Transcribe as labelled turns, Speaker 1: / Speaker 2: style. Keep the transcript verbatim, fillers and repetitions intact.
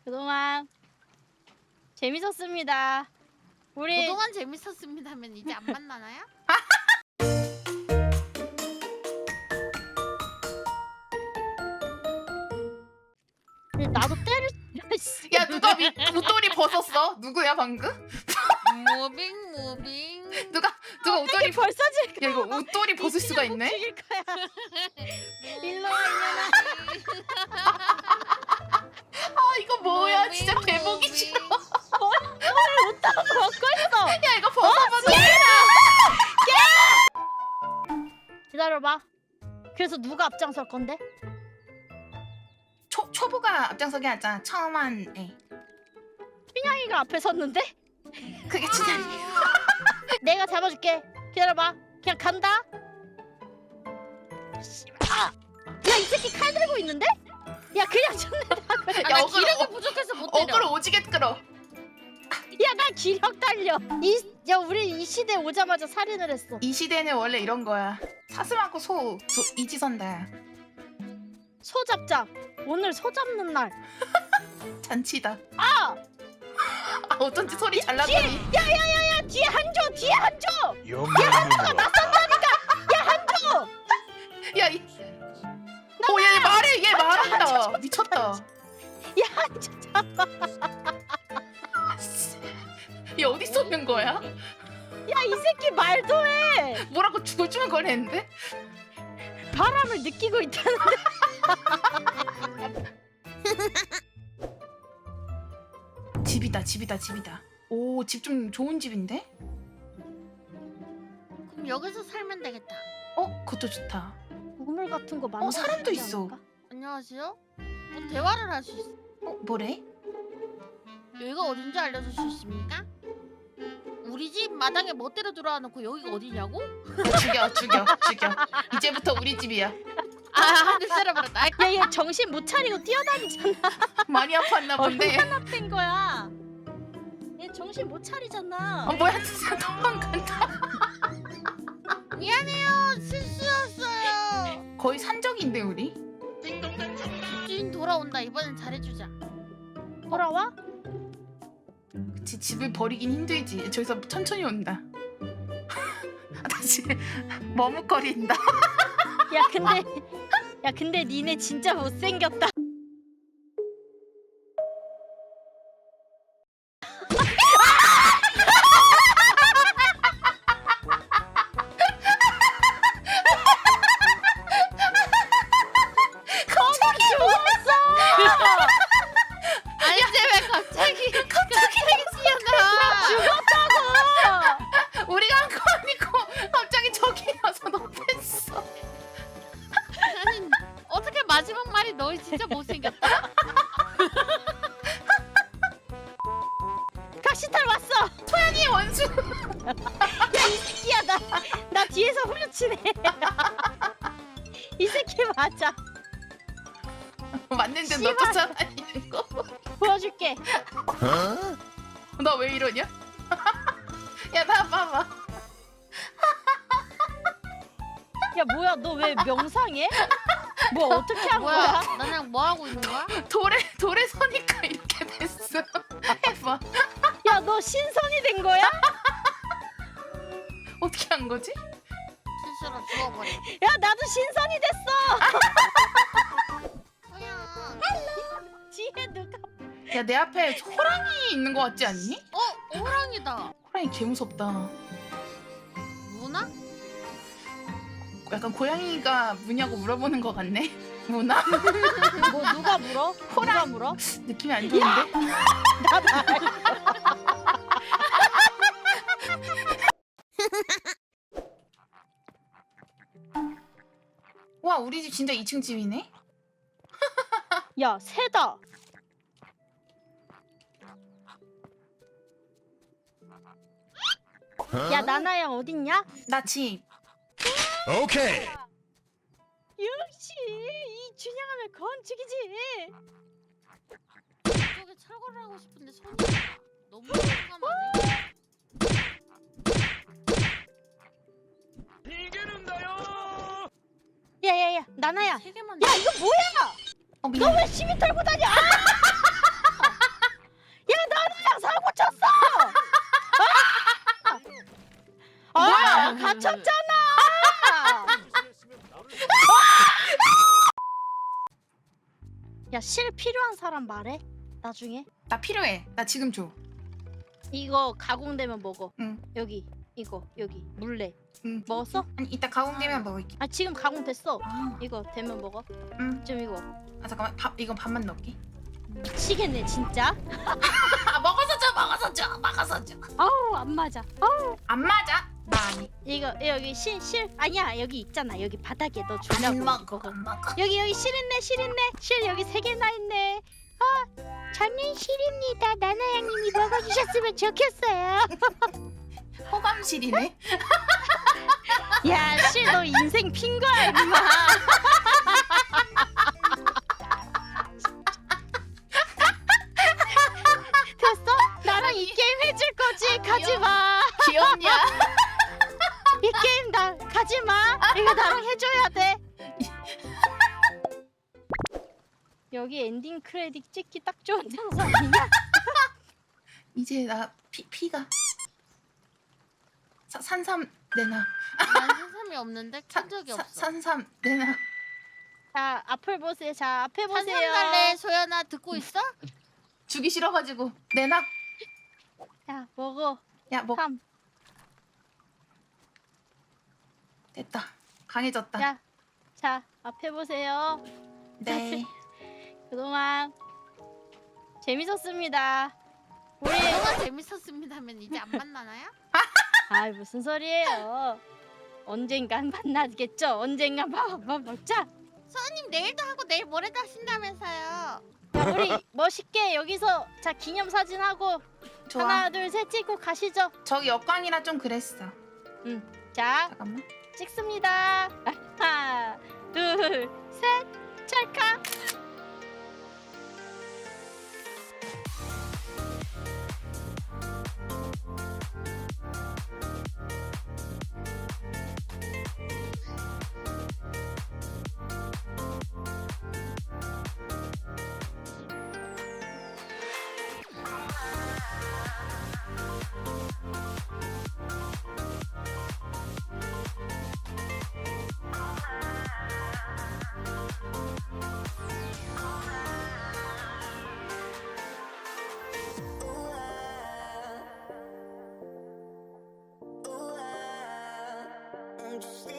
Speaker 1: 그동안 재밌었습니다. 우리
Speaker 2: 그동안 재밌었습니다면 이제 안 만나나요?
Speaker 1: 나도 때를
Speaker 3: 야 누가 미, 웃돌이 벗었어? 누구야 방금?
Speaker 2: 무빙 무빙.
Speaker 3: 누가 누가 웃돌이 벗?
Speaker 1: 벌써 지금
Speaker 3: 야 이거 웃돌이 벗을 수가 있네?
Speaker 1: 죽일 거야. 일로 와 이년아.
Speaker 3: 아 이거 뭐야 진짜 개보기 싫어.
Speaker 1: 웃다가 벗고 있어.
Speaker 3: 야 이거 벗어봐도
Speaker 1: 기다려봐. 그래서 누가 앞장설 건데?
Speaker 3: 초 초보가 앞장서게 하자. 처음 한 애.
Speaker 1: 춘향이가 앞에 섰는데?
Speaker 3: 그게 진짜
Speaker 1: 내가 잡아줄게. 기다려봐. 그냥 간다. 씨발. 아! 야, 이 새끼 칼 들고 있는데? 야, 그냥 좀 내다 그래.
Speaker 2: 아,
Speaker 3: 야,
Speaker 2: 나
Speaker 3: 어그로,
Speaker 2: 기력이
Speaker 3: 어,
Speaker 2: 부족해서 못 때려.
Speaker 3: 어그로 오지게 끌어.
Speaker 1: 야, 나 기력 달려. 이, 야, 우리 이 시대 오자마자 살인을 했어.
Speaker 3: 이 시대는 원래 이런 거야. 사슴 않고 소, 소 이지선다야.
Speaker 1: 소 잡자. 오늘 소 잡는 날.
Speaker 3: 잔치다.
Speaker 1: 아!
Speaker 3: 아 어쩐지 소리 잘
Speaker 1: 뒤에!
Speaker 3: 나더니.
Speaker 1: 야, 야, 야, 야! 뒤에 한조! 뒤에 한조!
Speaker 4: 연맹으로
Speaker 1: 한조!
Speaker 3: 야 이. 오얘 말해 얘 말한다. 미쳤다.
Speaker 1: 야, 한조 잡아.
Speaker 3: 얘 어디 쏘는 거야?
Speaker 1: 야, 이 새끼 말도 해!
Speaker 3: 뭐라고 죽을줄 거랬는데?
Speaker 1: 바람을 느끼고 있다는데?
Speaker 3: 집이다 집이다 집이다. 오 집 좀 좋은 집인데?
Speaker 2: 그럼 여기서 살면 되겠다.
Speaker 3: 어 그것도 좋다.
Speaker 1: 우물 같은 거 많아.
Speaker 3: 어, 사람도 있어.
Speaker 2: 안녕하세요. 뭐 대화를 할 수 있어.
Speaker 3: 어 뭐래?
Speaker 2: 여기가 어딘지 알려줄 수 있습니까? 우리 집 마당에 멋대로 들어와놓고 여기가 어디냐고?
Speaker 3: 죽여 죽여 죽여. 이제부터 우리 집이야.
Speaker 2: 아, 한대 때려버렸다.
Speaker 1: 야, 얘 정신 못 차리고 뛰어다니잖아.
Speaker 3: 많이 아팠나 본데.
Speaker 1: 얼마나 뺀 거야? 얘 정신 못 차리잖아.
Speaker 3: 어 뭐야 진짜 도망간다.
Speaker 2: 미안해요. 실수였어요.
Speaker 3: 거의 산적인데 우리?
Speaker 2: 주인 돌아온다. 이번엔 잘해주자.
Speaker 1: 돌아와?
Speaker 3: 그치 집을 버리긴 힘들지. 저기서 천천히 온다. 다시 머뭇거린다.
Speaker 1: 야, 근데 야, 근데 니네 진짜 못생겼다.
Speaker 3: 갑자기
Speaker 2: 아니, 이제 왜 갑자기 갑자기 튀어나와?
Speaker 1: 죽었다고.
Speaker 3: 우리가 한 거 아니고 갑자기 저기 가서 높였어.
Speaker 2: 아니, 어떻게 마지막 말이 너 진짜 못생겼다.
Speaker 1: 각시탈 왔어.
Speaker 3: 소연이 원수.
Speaker 1: 야, 이 새끼야, 나 나 뒤에서 후려치네. 이 새끼 맞아.
Speaker 3: 맞는데 너
Speaker 1: 씨발.
Speaker 3: 쫓아다니는 거.
Speaker 1: 보여줄게.
Speaker 3: 너 왜 이러냐? 야 나 봐봐.
Speaker 1: 야, 뭐야, 너 왜 명상해? 뭐 어떻게 한
Speaker 2: 뭐야?
Speaker 1: 거야?
Speaker 2: 나랑 뭐 하고 있는 거야?
Speaker 3: 돌에 돌에 서니까 이렇게 됐어. 해봐.
Speaker 1: 야, 너 신선이 된 거야?
Speaker 3: 어떻게 한 거지?
Speaker 2: 실수로 죽어버려.
Speaker 1: 야, 나도 신선이 됐어.
Speaker 2: 소연.
Speaker 1: 뒤에 누가?
Speaker 3: 야 내 앞에 호랑이 있는 거 같지 않니?
Speaker 2: 어, 호랑이다.
Speaker 3: 호랑이 개 무섭다.
Speaker 2: 무나?
Speaker 3: 약간 고양이가 무냐고 물어보는 거 같네. 무나?
Speaker 1: 뭐 누가 물어? 누가 물어?
Speaker 3: 느낌이 안 좋은데?
Speaker 1: 나다.
Speaker 3: 와 우리 집 진짜 이 층 집이네?
Speaker 1: 야, 새다. 야, 나나야 어딨냐?
Speaker 3: 나 집.
Speaker 4: 오케이.
Speaker 1: 역시 이 춘향하면 건축이지.
Speaker 2: 저기 철거를 하고 싶은데 손이 너무 깜깜하네.
Speaker 1: 야야야, 나나야.
Speaker 2: 세 개만.
Speaker 1: 야, 이거 뭐야?
Speaker 3: 어 미안.
Speaker 1: 너 왜 시민 털고 다녀? 아! 맞췄잖아. 야, 실 필요한 사람 말해. 나중에
Speaker 3: 나 필요해. 나 지금 줘.
Speaker 1: 이거 가공되면 먹어.
Speaker 3: 응.
Speaker 1: 여기 이거 여기 물레
Speaker 3: 응.
Speaker 1: 먹었어?
Speaker 3: 아니 이따 가공되면 먹을게.
Speaker 1: 아 지금 가공됐어.
Speaker 3: 아,
Speaker 1: 이거 되면 먹어.
Speaker 3: 응.
Speaker 1: 지금 이거
Speaker 3: 아 잠깐만. 밥 이건 밥만 넣을게.
Speaker 1: 미치겠네 진짜.
Speaker 3: 아 먹어서 줘. 먹어서 줘. 먹어서 줘.
Speaker 1: 아우 안 맞아. 아우
Speaker 3: 안 맞아? 많이.
Speaker 1: 이거 여기 실 실 아니야 여기 있잖아 여기 바닥에 너
Speaker 3: 안
Speaker 1: 주려고
Speaker 3: 먹어.
Speaker 1: 이거.
Speaker 3: 안 먹어.
Speaker 1: 여기 여기 실 있네 실 있네 실 여기 세 개나 있네. 아 저는 실입니다. 나나양님이 먹어주셨으면 좋겠어요.
Speaker 3: 호감실이네.
Speaker 1: 야 실 너 인생 핀 거야 임마. 됐어? 나랑 이 게임 해줄 거지? 가지 마.
Speaker 3: 귀엽냐?
Speaker 1: 이 게임 나 가지 마. 이거 나랑 해줘야 돼. 여기 엔딩 크레딧 찍기 딱 좋은 장소 아니냐?
Speaker 3: 이제 나 피 피가 사, 산삼 내놔.
Speaker 2: 난 산삼이 없는데 킨 적이
Speaker 3: 사,
Speaker 2: 없어.
Speaker 3: 산삼 내놔.
Speaker 1: 자 앞을 보세요. 자 앞에
Speaker 2: 산삼
Speaker 1: 보세요.
Speaker 2: 달래 소연아 듣고 있어?
Speaker 3: 주기 싫어가지고 내놔.
Speaker 1: 자 먹어.
Speaker 3: 야 먹.
Speaker 1: 삼.
Speaker 3: 됐다. 강해졌다.
Speaker 1: 자, 자 앞에 보세요.
Speaker 3: 네.
Speaker 1: 그동안 재밌었습니다. 우리
Speaker 2: 그동안 재밌었습니다면 이제 안 만나나요?
Speaker 1: 아 무슨 소리예요? 언젠간 만나겠죠. 언젠간 밥 한번 먹자.
Speaker 2: 소연님 내일도 하고 내일 모레도 하신다면서요.
Speaker 1: 자, 우리 멋있게 여기서 자 기념 사진 하고
Speaker 3: 좋아.
Speaker 1: 하나 둘 셋 찍고 가시죠.
Speaker 3: 저기 역광이라 좀 그랬어.
Speaker 1: 자
Speaker 3: 잠깐만.
Speaker 1: 찍습니다. 하나 둘 셋 찰칵.
Speaker 5: I'm just